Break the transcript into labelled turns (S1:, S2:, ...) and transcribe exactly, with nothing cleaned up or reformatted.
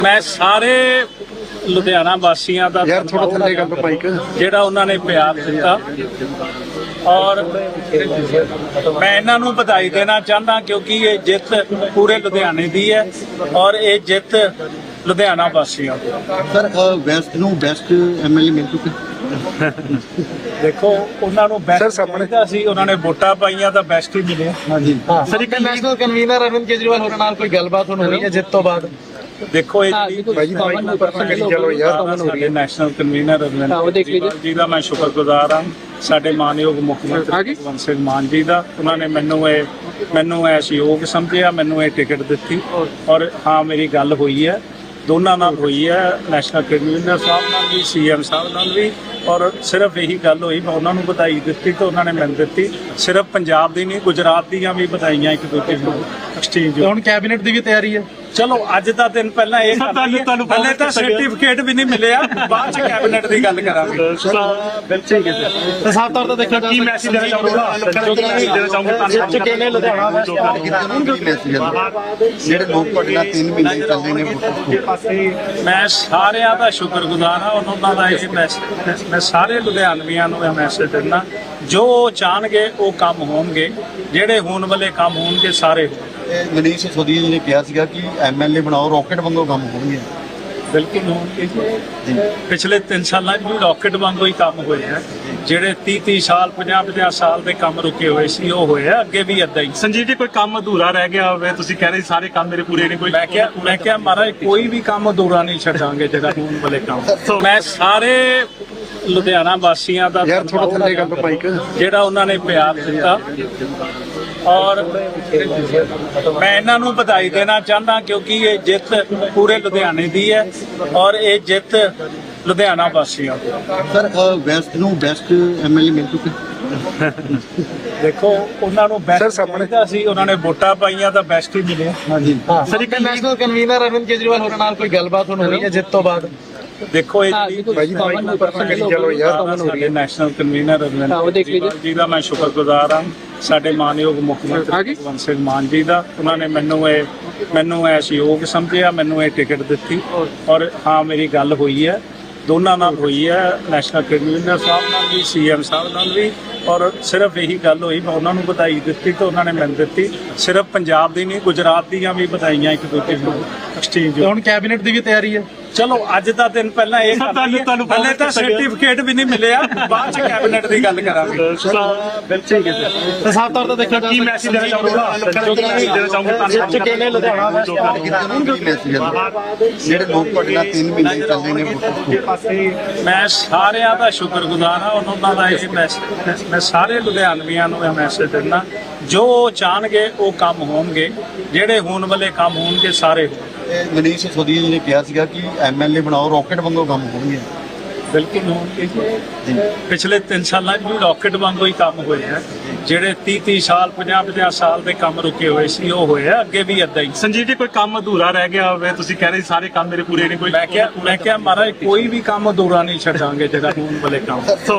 S1: ਮੈਂ ਸਾਰੇ ਲੁਧਿਆਣਾ ਵਾਸੀਆਂ ਦਾ
S2: ਯਾਰ ਥੋੜਾ ਥੱਲੇ ਕਰ ਲਓ ਮਾਈਕ
S1: ਜਿਹੜਾ ਉਹਨਾਂ ਨੇ ਪਿਆਰ ਦਿੱਤਾ ਔਰ ਮੈਂ ਇਹਨਾਂ ਨੂੰ ਵਧਾਈ ਦੇਣਾ ਚਾਹੁੰਦਾ ਕਿਉਂਕਿ ਇਹ ਜਿੱਤ ਪੂਰੇ ਲੁਧਿਆਣੇ ਦੀ ਹੈ ਔਰ ਇਹ ਜਿੱਤ ਲੁਧਿਆਣਾ ਵਾਸੀਆਂ ਦੀ।
S2: ਸਰ ਵੈਸਟ ਨੂੰ ਬੈਸਟ ਐਮਐਲਏ ਮਿਲ ਚੁੱਕੇ
S1: ਦੇਖੋ ਉਹਨਾਂ ਨੂੰ ਬੈਸਟ ਚਾਹੀਦਾ ਸੀ, ਉਹਨਾਂ ਨੇ ਵੋਟਾਂ ਪਾਈਆਂ ਤਾਂ ਬੈਸਟ ਹੀ ਮਿਲਿਆ।
S2: ਹਾਂਜੀ
S3: ਸਰ ਇੱਕ ਨੈਸ਼ਨਲ ਕਨਵੀਨਰ ਅਰਵਿੰਦ ਕੇਜਰੀਵਾਲ ਹੋਰਾਂ ਨਾਲ ਕੋਈ ਗੱਲਬਾਤ ਹੁਣ ਹੋਈ ਹੈ ਜਿੱਤ ਤੋਂ ਬਾਅਦ?
S1: ਦੇਖੋ ਇਹ
S2: ਜਿਹੜੀ
S1: ਨੈਸ਼ਨਲ ਕਨਵੀਨਰ ਅਰਵਿੰਦ ਜੀ ਦਾ ਮੈਂ ਸ਼ੁਕਰਗੁਜ਼ਾਰ ਹਾਂ, ਸਾਡੇ ਮਾਨਯੋਗ ਮੁੱਖ ਮੰਤਰੀ ਭਗਵੰਤ ਸਿੰਘ ਮਾਨ ਜੀ ਦਾ। ਉਹਨਾਂ ਨੇ ਮੈਨੂੰ ਇਹ ਮੈਨੂੰ ਇਹ ਸਹਿਯੋਗ ਸਮਝਿਆ, ਮੈਨੂੰ ਇਹ ਟਿਕਟ ਦਿੱਤੀ ਔਰ ਹਾਂ ਮੇਰੀ ਗੱਲ ਹੋਈ ਹੈ, ਦੋਨਾਂ ਨਾਲ ਹੋਈ ਹੈ, ਨੈਸ਼ਨਲ ਕਨਵੀਨਰ ਸਾਹਿਬ ਨਾਲ ਵੀ, ਸੀਐਮ ਸਾਹਿਬ ਨਾਲ ਵੀ। ਔਰ ਸਿਰਫ ਇਹੀ ਗੱਲ ਹੋਈ, ਮੈਂ ਉਹਨਾਂ ਨੂੰ ਵਧਾਈ ਦਿੱਤੀ ਤੇ ਉਹਨਾਂ ਨੇ ਮੈਨੂੰ ਦਿੱਤੀ। ਸਿਰਫ ਪੰਜਾਬ ਦੀ ਨਹੀਂ, ਗੁਜਰਾਤ ਦੀਆਂ ਵੀ ਵਧਾਈਆਂ ਇੱਕ ਦੂਜੇ ਨੂੰ ਐਕਸਚੇਂਜ।
S3: ਹੁਣ ਕੈਬਨਿਟ ਦੀ ਵੀ ਤਿਆਰੀ ਹੈ।
S1: ਚਲੋ ਅੱਜ ਦਾ ਦਿਨ ਪਹਿਲਾਂ ਇਹ ਤੁਹਾਨੂੰ ਪਹਿਲੇ ਤਾਂ ਸਰਟੀਫਿਕੇਟ ਵੀ ਨਹੀਂ ਮਿਲਿਆ, ਬਾਅਦ ਚ ਕੈਬਨਿਟ ਦੀ ਗੱਲ ਕਰਾਂਗੇ।
S3: ਬਿਲਕੁਲ ਹੈ ਸਰ। ਸਾਫ ਤੌਰ ਤੇ ਦੇਖਿਆ ਕੀ ਮੈਸੇਜ ਦੇਣਾ ਚਾਹੂੰਗਾ
S2: ਜਿਹੜੇ ਲੋਕ ਤੁਹਾਡੇ ਨਾਲ ਤਿੰਨ ਮਹੀਨੇ ਚੱਲਦੇ ਨੇ।
S1: ਮੈਂ ਸਾਰਿਆਂ ਦਾ ਸ਼ੁਕਰਗੁਜ਼ਾਰ ਹਾਂ, ਉਹਨਾਂ ਦਾ ਇਹ ਮੈਸੇਜ ਮੈਂ ਸਾਰੇ ਲੁਧਿਆਣਵੀਆਂ ਨੂੰ ਇਹ ਮੈਸੇਜ ਦਿੰਦਾ, ਜੋ ਚਾਹਣਗੇ ਉਹ ਕੰਮ ਹੋਣਗੇ, ਜਿਹੜੇ ਹੋਣ ਵਾਲੇ ਕੰਮ ਹੋਣਗੇ ਸਾਰੇ।
S2: ਮਨੀਸ਼ ਸਿਸੋਦੀਆ ਜੀ ਨੇ ਕਿਹਾ ਸੀਗਾ ਕਿ ਐਮਐਲਏ ਬਣਾਓ ਰਾਕਟ ਵਾਂਗੂ ਕੰਮ ਹੋਣਗੇ।
S1: ਬਿਲਕੁਲ ਹੋਣਗੇ ਜੀ। ਪਿਛਲੇ ਤਿੰਨ ਸਾਲਾਂ 'ਚ ਵੀ ਰਾਕਟ ਵਾਂਗੂ ਹੀ ਕੰਮ ਹੋਏ ਹੈ। ਜਿਹੜੇ ਤੀਹ ਤੀਹ ਸਾਲ ਪੰਜਾਹ ਪੰਜਾਹ ਸਾਲ ਦੇ ਕੰਮ ਰੁਕੇ ਹੋਏ ਸੀ ਉਹ ਹੋਏ ਆ, ਅੱਗੇ ਵੀ ਏਦਾਂ ਹੀ।
S3: ਸੰਜੀਵ ਜੀ ਕੋਈ ਕੰਮ ਅਧੂਰਾ ਰਹਿ ਗਿਆ ਹੋਵੇ, ਤੁਸੀਂ ਕਹਿ ਰਹੇ ਸਾਰੇ ਕੰਮ ਮੇਰੇ ਪੂਰੇ ਨਹੀਂ ਕੋਈ?
S1: ਮੈਂ ਕਿਹਾ ਮੈਂ ਕਿਹਾ ਮਹਾਰਾਜ ਕੋਈ ਵੀ ਕੰਮ ਅਧੂਰਾ ਨਹੀਂ ਛੱਡਾਂਗੇ ਜਿਹੜਾ ਹੋਣ ਵਾਲੇ ਕੰਮ। ਮੈਂ ਸਾਰੇ ਲੁਧਿਆਣਾ ਵਾਸੀਆਂ ਦਾ
S2: ਯਾਰ ਥੋੜਾ ਥੱਲੇ ਕਰ ਲਓ ਮਾਈਕ
S1: ਜਿਹੜਾ ਉਹਨਾਂ ਨੇ ਪਿਆਰ ਦਿੱਤਾ ਔਰ ਮੈਂ ਇਹਨਾਂ ਨੂੰ ਵਧਾਈ ਦੇਣਾ ਚਾਹੁੰਦਾ ਕਿਉਂਕਿ ਇਹ ਜਿੱਤ ਪੂਰੇ ਲੁਧਿਆਣੇ ਦੀ ਹੈ ਔਰ ਇਹ ਜਿੱਤ ਲੁਧਿਆਣਾ ਵਾਸੀਆਂ ਦੀ।
S2: ਸਰ ਵੈਸਟ ਨੂੰ ਬੈਸਟ ਐਮਐਲਏ ਮਿਲ ਚੁੱਕੇ
S1: ਦੇਖੋ ਉਹਨਾਂ ਨੂੰ ਬੈਸਟ ਚਾਹੀਦਾ ਸੀ, ਉਹਨਾਂ ਨੇ ਵੋਟਾਂ ਪਾਈਆਂ ਤਾਂ ਬੈਸਟ ਹੀ ਮਿਲਿਆ।
S2: ਹਾਂਜੀ
S3: ਸਰ ਇੱਕ ਨੈਸ਼ਨਲ ਕਨਵੀਨਰ ਅਰਵਿੰਦ ਕੇਜਰੀਵਾਲ ਹੋਰਾਂ ਨਾਲ ਕੋਈ ਗੱਲਬਾਤ ਹੁਣ ਹੋਈ ਹੈ ਜਿੱਤ ਤੋਂ ਬਾਅਦ?
S1: ਦੇਖੋ ਇਹ ਜਿਹੜੀ ਨੈਸ਼ਨਲ ਕਨਵੀਨਰ ਅਰਵਿੰਦ ਜੀ ਦਾ ਮੈਂ ਸ਼ੁਕਰਗੁਜ਼ਾਰ ਹਾਂ, ਸਾਡੇ ਮਾਨਯੋਗ ਮੁੱਖ ਮੰਤਰੀ ਭਗਵੰਤ ਸਿੰਘ ਮਾਨ ਜੀ ਦਾ। ਉਹਨਾਂ ਨੇ ਮੈਨੂੰ ਇਹ ਮੈਨੂੰ ਇਹ ਸਹਿਯੋਗ ਸਮਝਿਆ, ਮੈਨੂੰ ਇਹ ਟਿਕਟ ਦਿੱਤੀ ਔਰ ਹਾਂ ਮੇਰੀ ਗੱਲ ਹੋਈ ਹੈ, ਦੋਨਾਂ ਨਾਲ ਹੋਈ ਹੈ, ਨੈਸ਼ਨਲ ਕਨਵੀਨਰ ਸਾਹਿਬ ਨਾਲ ਵੀ, ਸੀਐਮ ਸਾਹਿਬ ਨਾਲ ਵੀ। ਔਰ ਸਿਰਫ ਇਹੀ ਗੱਲ ਹੋਈ, ਮੈਂ ਉਹਨਾਂ ਨੂੰ ਵਧਾਈ ਦਿੱਤੀ ਤੇ ਉਹਨਾਂ ਨੇ ਮੈਨੂੰ ਦਿੱਤੀ। ਸਿਰਫ ਪੰਜਾਬ ਦੀ ਨਹੀਂ, ਗੁਜਰਾਤ ਦੀਆਂ ਵੀ ਵਧਾਈਆਂ ਇੱਕ ਦੂਜੇ ਨੂੰ ਐਕਸਚੇਂਜ।
S3: ਹੁਣ ਕੈਬਨਿਟ ਦੀ ਵੀ ਤਿਆਰੀ ਹੈ।
S1: ਚਲੋ ਅੱਜ ਦਾ ਦਿਨ ਪਹਿਲਾਂ ਇਹ ਤੁਹਾਨੂੰ ਪਹਿਲੇ ਤਾਂ ਸਰਟੀਫਿਕੇਟ ਵੀ ਨਹੀਂ ਮਿਲਿਆ, ਬਾਅਦ ਚ ਕੈਬਨਿਟ ਦੀ ਗੱਲ ਕਰਾਂਗੇ।
S3: ਬਿਲਕੁਲ ਹੈ ਸਰ। ਸਾਫ ਤੌਰ ਤੇ ਦੇਖਿਆ ਕੀ ਮੈਸੇਜ ਦੇਣਾ ਚਾਹੂੰਗਾ
S2: ਜਿਹੜੇ ਲੋਕ ਤੁਹਾਡੇ ਨਾਲ ਤਿੰਨ ਮਹੀਨੇ ਚੱਲਦੇ ਨੇ।
S1: ਮੈਂ ਸਾਰਿਆਂ ਦਾ ਸ਼ੁਕਰਗੁਜ਼ਾਰ ਹਾਂ, ਉਹਨਾਂ ਦਾ ਇਹ ਮੈਸੇਜ ਮੈਂ ਸਾਰੇ ਲੁਧਿਆਣਵੀਆਂ ਨੂੰ ਇਹ ਮੈਸੇਜ ਦਿੰਦਾ, ਜੋ ਚਾਹਣਗੇ ਉਹ ਕੰਮ ਹੋਣਗੇ, ਜਿਹੜੇ ਹੋਣ ਵਾਲੇ ਕੰਮ ਹੋਣਗੇ ਸਾਰੇ।
S2: ਮਨੀਸ਼ ਸਿਸੋਦੀਆ ਜੀ ਨੇ ਕਿਹਾ ਸੀਗਾ ਕਿ ਐਮਐਲਏ ਬਣਾਓ ਰਾਕਟ ਵਾਂਗੂ ਕੰਮ ਹੋਣਗੇ।
S1: ਬਿਲਕੁਲ ਹੋਣਗੇ ਜੀ। ਪਿਛਲੇ ਤਿੰਨ ਸਾਲਾਂ 'ਚ ਵੀ ਰਾਕਟ ਵਾਂਗੂ ਹੀ ਕੰਮ ਹੋਏ ਹੈ। ਜਿਹੜੇ ਤੀਹ ਤੀਹ ਸਾਲ ਪੰਜਾਹ ਪੰਜਾਹ ਸਾਲ ਦੇ ਕੰਮ ਰੁਕੇ ਹੋਏ ਸੀ ਉਹ ਹੋਏ ਆ, ਅੱਗੇ ਵੀ ਏਦਾਂ ਹੀ।
S3: ਸੰਜੀਵ ਜੀ ਕੋਈ ਕੰਮ ਅਧੂਰਾ ਰਹਿ ਗਿਆ ਹੋਵੇ, ਤੁਸੀਂ ਕਹਿ ਰਹੇ ਸਾਰੇ ਕੰਮ ਮੇਰੇ ਪੂਰੇ ਨਹੀਂ ਕੋਈ?
S1: ਮੈਂ ਕਿਹਾ ਮੈਂ ਕਿਹਾ ਮਹਾਰਾਜ ਕੋਈ ਵੀ ਕੰਮ ਅਧੂਰਾ ਨਹੀਂ ਛੱਡਾਂਗੇ ਜਿਹੜਾ ਹੋਣ ਵਾਲੇ ਕੰਮ।